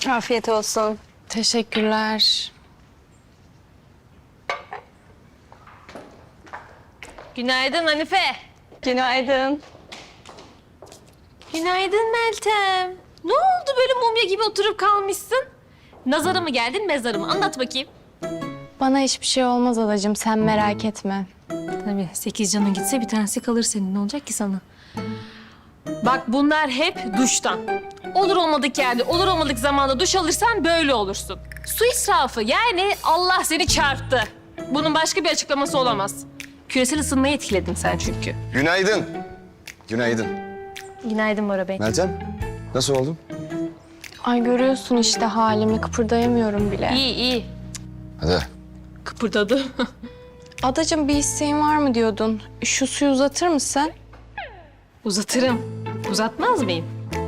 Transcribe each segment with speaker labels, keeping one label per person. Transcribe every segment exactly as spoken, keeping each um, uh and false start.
Speaker 1: Afiyet olsun.
Speaker 2: Teşekkürler.
Speaker 3: Günaydın Hanife.
Speaker 1: Günaydın.
Speaker 3: Günaydın Meltem. Ne oldu böyle mumya gibi oturup kalmışsın? Nazara mı geldin, mezara mı? Anlat bakayım.
Speaker 2: Bana hiçbir şey olmaz adacığım, sen merak etme.
Speaker 3: Tabii sekiz canın gitse bir tanesi kalır senin. Ne olacak ki sana? Bak bunlar hep duştan. Olur olmadık yerde, olur olmadık zamanda duş alırsan böyle olursun. Su israfı yani Allah seni çarptı. Bunun başka bir açıklaması olamaz. Küresel ısınmayı etkiledin sen çünkü.
Speaker 4: Günaydın. Günaydın.
Speaker 3: Günaydın Bora Bey.
Speaker 4: Meltem, nasıl oldun?
Speaker 2: Ay görüyorsun işte halimi, kıpırdayamıyorum bile.
Speaker 3: İyi iyi.
Speaker 4: Hadi.
Speaker 3: Kıpırdadı.
Speaker 2: Adacığım bir isteğin var mı diyordun? Şu suyu uzatır mısın?
Speaker 3: Uzatırım. Uzatmaz mıyım?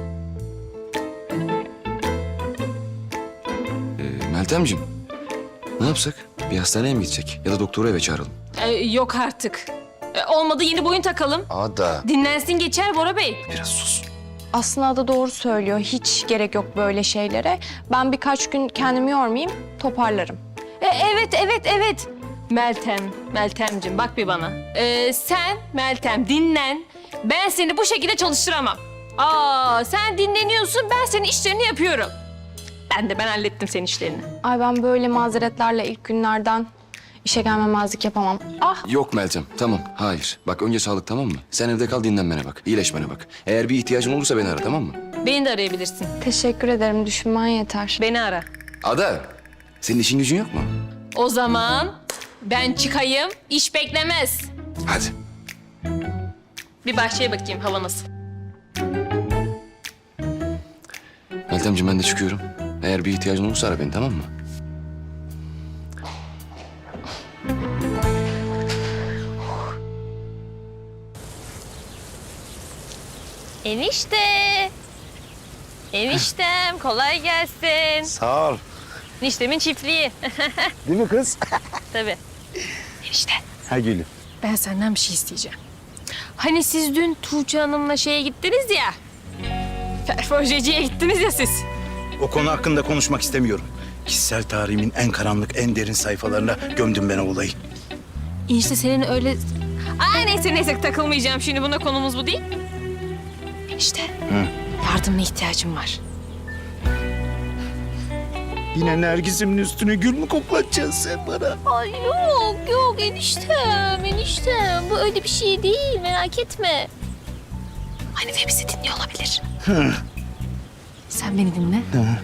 Speaker 4: Ee, Meltemciğim, ne yapsak? Bir hastaneye mi gidecek? Ya da doktoru eve çağıralım.
Speaker 3: Ee, yok artık. Ee, olmadı yeni boyun takalım.
Speaker 4: Ada.
Speaker 3: Dinlensin geçer Bora Bey.
Speaker 4: Biraz sus.
Speaker 2: Aslında Ada doğru söylüyor. Hiç gerek yok böyle şeylere. Ben birkaç gün kendimi yormayayım, toparlarım.
Speaker 3: Ee, evet evet evet. Meltem, Meltemciğim bak bir bana. Ee, sen Meltem dinlen. Ben seni bu şekilde çalıştıramam. Aa sen dinleniyorsun ben senin işlerini yapıyorum. Ben de ben hallettim senin işlerini.
Speaker 2: Ay ben böyle mazeretlerle ilk günlerden işe gelmemezlik yapamam. Ah
Speaker 4: Yok Meltem, tamam. Hayır. Bak önce sağlık, tamam mı? Sen evde kal, dinlenmene bak. İyileşmene bak. Eğer bir ihtiyacın olursa beni ara, tamam mı?
Speaker 3: Beni de arayabilirsin.
Speaker 2: teşekkür ederim, düşünmen yeter.
Speaker 3: Beni ara.
Speaker 4: Ada, senin işin gücün yok mu?
Speaker 3: O zaman ben çıkayım. İş beklemez.
Speaker 4: Hadi.
Speaker 3: Bir bahçeye bakayım hava nasıl.
Speaker 4: Meltemciğim ben de çıkıyorum. Eğer bir ihtiyacın olursa ara beni, tamam mı?
Speaker 3: Enişte. Eniştem kolay gelsin.
Speaker 5: Sağ ol.
Speaker 3: Eniştemin çiftliği.
Speaker 5: Değil mi kız?
Speaker 3: Tabii. Enişte
Speaker 5: Ha gülüm.
Speaker 3: ben senden bir şey isteyeceğim. Hani siz dün Tuğçe Hanım'la şeye gittiniz ya. Perforjeciye gittiniz ya siz.
Speaker 5: O konu hakkında konuşmak istemiyorum. Kişisel tarihimin en karanlık, en derin sayfalarına gömdüm ben o olayı.
Speaker 3: Enişte senin öyle... Aa neyse neyse takılmayacağım şimdi buna konumuz bu değil. Enişte yardımına ihtiyacım var.
Speaker 5: Yine Nergis'imin üstüne gül mü koklatacaksın sen bana?
Speaker 3: Ay yok yok eniştem eniştem bu öyle bir şey değil merak etme. Hanife bizi dinliyor olabilir. Sen beni dinle.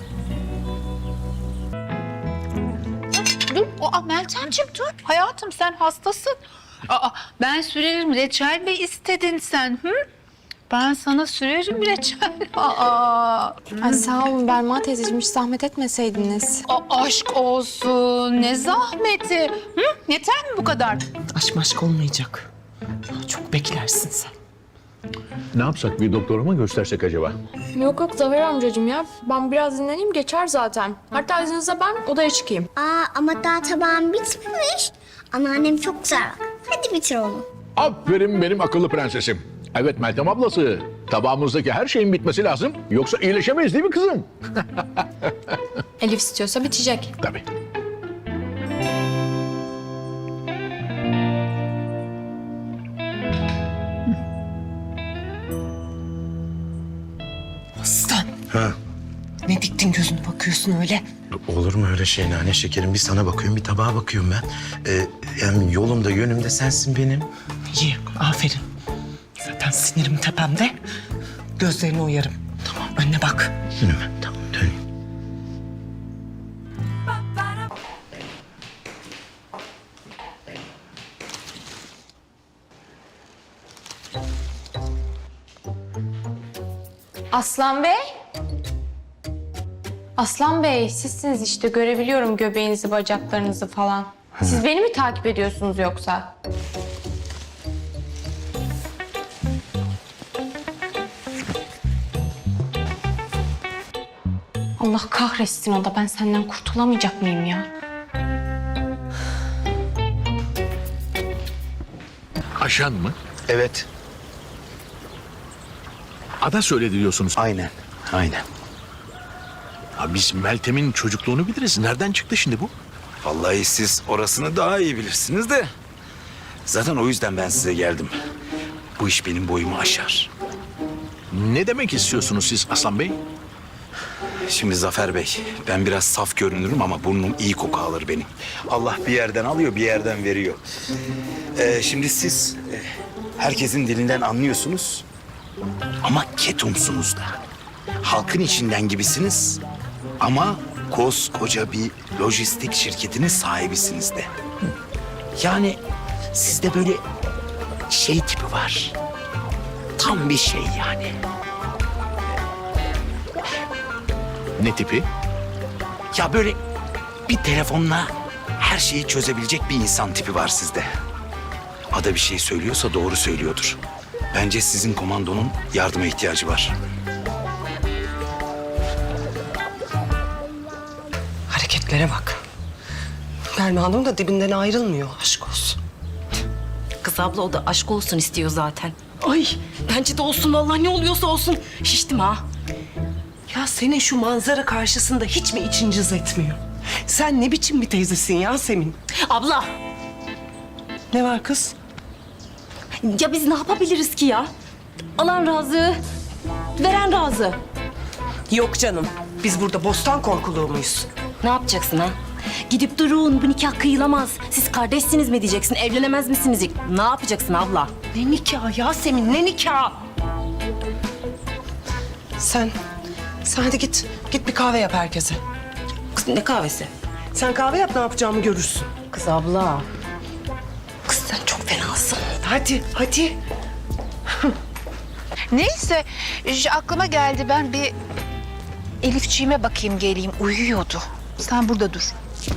Speaker 6: Dur, aa Meltemciğim dur. Hayatım sen hastasın. Aa, ben sürerim reçel mi istedin sen? Hı? Ben sana sürerim reçel. Aa,
Speaker 2: Ay sağ olun Belma teyzeciğim, hiç zahmet etmeseydiniz.
Speaker 6: a- aşk olsun. Ne zahmeti. Hı? Yeter mi bu kadar?
Speaker 7: Aşk maşk olmayacak. Çok beklersin sen.
Speaker 8: Ne yapsak, bir doktora mı göstersek acaba?
Speaker 2: Yok yok Zafer amcacığım ya. Ben biraz dinleneyim, geçer zaten. Hatta izninizle ben odaya çıkayım.
Speaker 9: Aa ama daha tabağım bitmemiş. Anneannem çok güzel bak. Hadi bitir onu.
Speaker 8: Aferin benim akıllı prensesim. Evet Meltem ablası, tabağımızdaki her şeyin bitmesi lazım. Yoksa iyileşemeyiz değil mi kızım?
Speaker 2: Elif istiyorsa bitecek.
Speaker 8: Tabii.
Speaker 7: Aslan.
Speaker 5: Ha.
Speaker 7: Ne diktin gözünü bakıyorsun öyle?
Speaker 5: Olur mu öyle şey nane şekerim? Bir sana bakıyorum, bir tabağa bakıyorum ben. Ee, yani yolumda, yönümde sensin benim.
Speaker 7: İyi, aferin. Zaten sinirim tepemde. Gözlerini uyarım. Tamam, önüne bak.
Speaker 5: Önüme, tamam döneyim.
Speaker 2: Aslan Bey. Aslan Bey, sizsiniz işte. Görebiliyorum göbeğinizi, bacaklarınızı falan. Siz beni mi takip ediyorsunuz yoksa? Allah kahretsin o da. Ben senden kurtulamayacak mıyım ya?
Speaker 8: Ajan mı?
Speaker 5: Evet,
Speaker 8: Ada söyledi diyorsunuz.
Speaker 5: aynen, aynen.
Speaker 8: Ya biz Meltem'in çocukluğunu biliriz. Nereden çıktı şimdi bu?
Speaker 5: Vallahi siz orasını daha iyi bilirsiniz de. Zaten o yüzden ben size geldim. Bu iş benim boyumu aşar.
Speaker 8: Ne demek istiyorsunuz siz Aslan Bey?
Speaker 5: Şimdi Zafer Bey, ben biraz saf görünürüm ama burnum iyi koku alır benim. Allah bir yerden alıyor, bir yerden veriyor. Ee, şimdi siz e, herkesin dilinden anlıyorsunuz ama ketumsunuz da. Halkın içinden gibisiniz ama koskoca bir lojistik şirketinin sahibisiniz de. Yani sizde böyle şey tipi var. Tam bir şey yani.
Speaker 8: Ne tipi?
Speaker 5: Ya böyle bir telefonla her şeyi çözebilecek bir insan tipi var sizde. Ada bir şey söylüyorsa doğru söylüyordur. Bence sizin komandonun yardıma ihtiyacı var.
Speaker 7: Hareketlere bak. Belma Hanım da dibinden ayrılmıyor. Aşk olsun.
Speaker 10: Kız abla o da aşk olsun istiyor zaten.
Speaker 7: Ay bence de olsun vallahi, ne oluyorsa olsun.
Speaker 10: Şiştim ha.
Speaker 7: Ya senin şu manzara karşısında hiç mi için cız etmiyor? Sen ne biçim bir teyzesin Yasemin?
Speaker 10: Abla
Speaker 7: Ne var kız?
Speaker 10: ya biz ne yapabiliriz ki ya? Alan razı, veren razı.
Speaker 7: Yok canım. Biz burada bostan korkuluğu muyuz?
Speaker 10: Ne yapacaksın ha? Gidip durun bu nikah kıyılamaz. Siz kardeşsiniz mi diyeceksin, evlenemez misiniz? Ne yapacaksın abla?
Speaker 7: Ne nikah Yasemin, ne nikah? Sen, sen hadi git. Git bir kahve yap herkese.
Speaker 10: Kız ne kahvesi?
Speaker 7: Sen kahve yap, ne yapacağımı görürsün.
Speaker 10: Kız abla. Kız sen çok fenasın.
Speaker 7: Hadi, hadi.
Speaker 6: Neyse j- aklıma geldi, ben bir Elifçiğime bakayım geleyim, uyuyordu. Sen burada dur.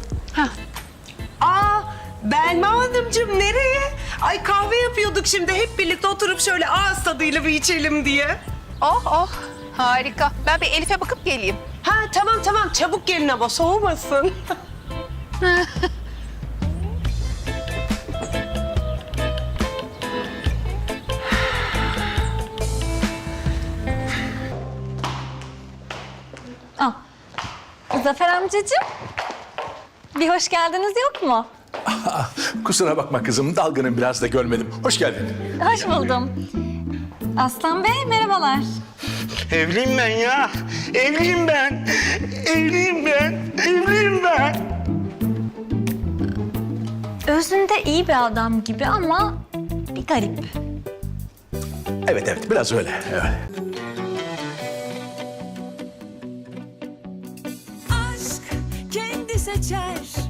Speaker 7: Aa, Belma Hanımcığım nereye? Ay kahve yapıyorduk şimdi. Hep birlikte oturup şöyle ağız tadıyla bir içelim diye.
Speaker 6: Oh oh harika. Ben bir Elif'e bakıp geleyim.
Speaker 7: Ha tamam tamam, çabuk gelin ama soğumasın.
Speaker 1: Zafer amcacığım. Bir hoş geldiniz yok mu?
Speaker 8: Kusura bakma kızım, dalgının biraz da görmedim. Hoş geldin.
Speaker 1: Hoş buldum. Aslan Bey merhabalar.
Speaker 5: Evliyim ben ya. Evliyim ben. Evliyim ben. Evliyim ben.
Speaker 1: Özünde iyi bir adam gibi ama bir garip.
Speaker 8: Evet evet, biraz öyle. Evet.
Speaker 11: Aşk kendi seçer